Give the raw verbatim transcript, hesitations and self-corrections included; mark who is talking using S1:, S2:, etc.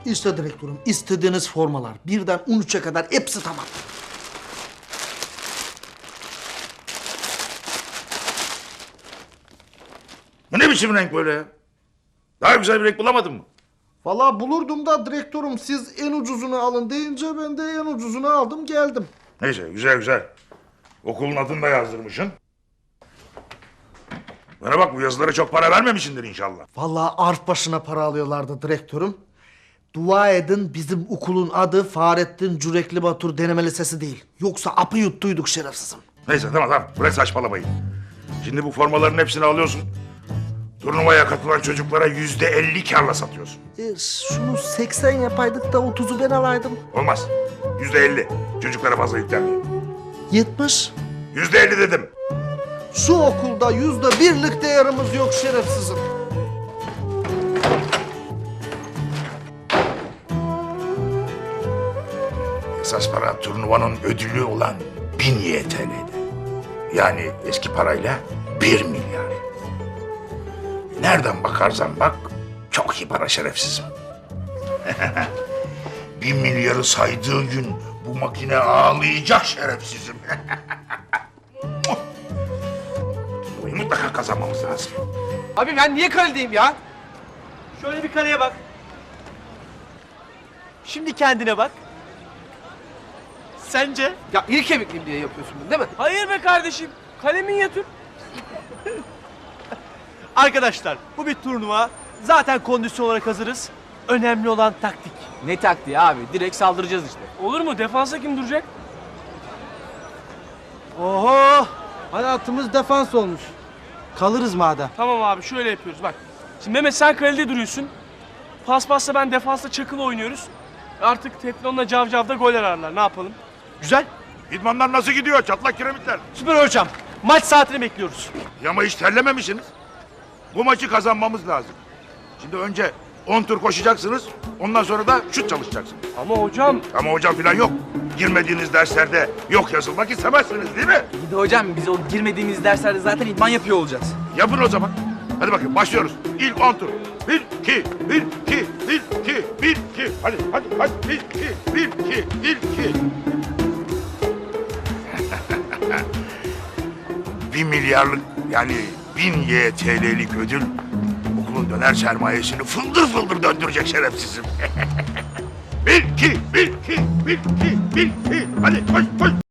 S1: İşte direktörüm, istediğiniz formalar. Birden on üçe kadar hepsi tamam.
S2: Bu ne biçim renk böyle ya? Daha güzel bir renk bulamadın mı?
S1: Vallahi bulurdum da direktörüm, siz en ucuzunu alın deyince ben de en ucuzunu aldım geldim.
S2: Neyse, güzel güzel. Okulun adını da yazdırmışsın. Bana bak, bu yazılara çok para vermemişsindir inşallah.
S1: Vallahi arf başına para alıyorlardı direktörüm. Dua edin bizim okulun adı Fahrettin Cürekli Batur Deneme Lisesi değil. Yoksa apı yuttuyduk şerefsizim.
S2: Neyse, tamam tamam, bırak saçmalamayı. Şimdi bu formaların hepsini alıyorsun. Turnuvaya katılan çocuklara yüzde elli kârla satıyorsun.
S1: E, şunu seksen yapaydık da otuzu ben alaydım.
S2: Olmaz. Yüzde elli. Çocuklara fazla yüklenmeyin.
S1: Yetmiş.
S2: Yüzde elli dedim.
S1: Şu okulda yüzde birlik değerimiz yok şerefsizim.
S2: Esas para turnuvanın ödülü olan bin Y T L'ydi. Yani eski parayla bir milyar. Nereden bakarsan bak çok iyi para şerefsizim. Bir milyarı saydığı gün bu makine ağlayacak şerefsizim. Turnuvayı mutlaka kazanmamız lazım.
S3: Abi ben niye kaledeyim ya? Şöyle bir kaleye bak. Şimdi kendine bak. Sence? Ya iri kemikliyim diye yapıyorsun bunu değil mi?
S4: Hayır be kardeşim. Kalemin yatır.
S3: Arkadaşlar bu bir turnuva. Zaten kondisyon olarak hazırız. Önemli olan taktik.
S4: Ne taktiği abi? Direkt saldıracağız işte. Olur mu? Defansa kim duracak?
S5: Oho! Hayatımız defans olmuş. Kalırız madem.
S4: Tamam abi şöyle yapıyoruz bak. Şimdi Mehmet sen kalede duruyorsun. Paspasla ben defansta Çakıl oynuyoruz. Artık Teflon'la Cavcav'da gol ararlar. Ne yapalım?
S3: Güzel.
S2: İdmanlar nasıl gidiyor çatlak kiremitler?
S3: Süper hocam. Maç saatini bekliyoruz.
S2: Ama hiç terlememişsiniz. Bu maçı kazanmamız lazım. Şimdi önce on tur koşacaksınız. Ondan sonra da şut çalışacaksınız.
S4: Ama hocam
S2: Ama hocam falan yok. Girmediğiniz derslerde yok yazılmak istemezsiniz değil mi?
S6: Bir de hocam biz o girmediğimiz derslerde zaten idman yapıyor olacağız.
S2: Yapın o zaman. Hadi bakın başlıyoruz. İlk on tur. Bir, iki, bir, iki, bir, iki, bir, iki. Hadi, hadi, hadi. Bir, iki, bir, iki, bir, iki. Bir milyarlık yani bin Y T L'lik ödül okulun döner sermayesini fıldır fıldır döndürecek şerefsizim. Bir, iki, bir, iki, bir, iki, bir, iki. Hadi koş, koş,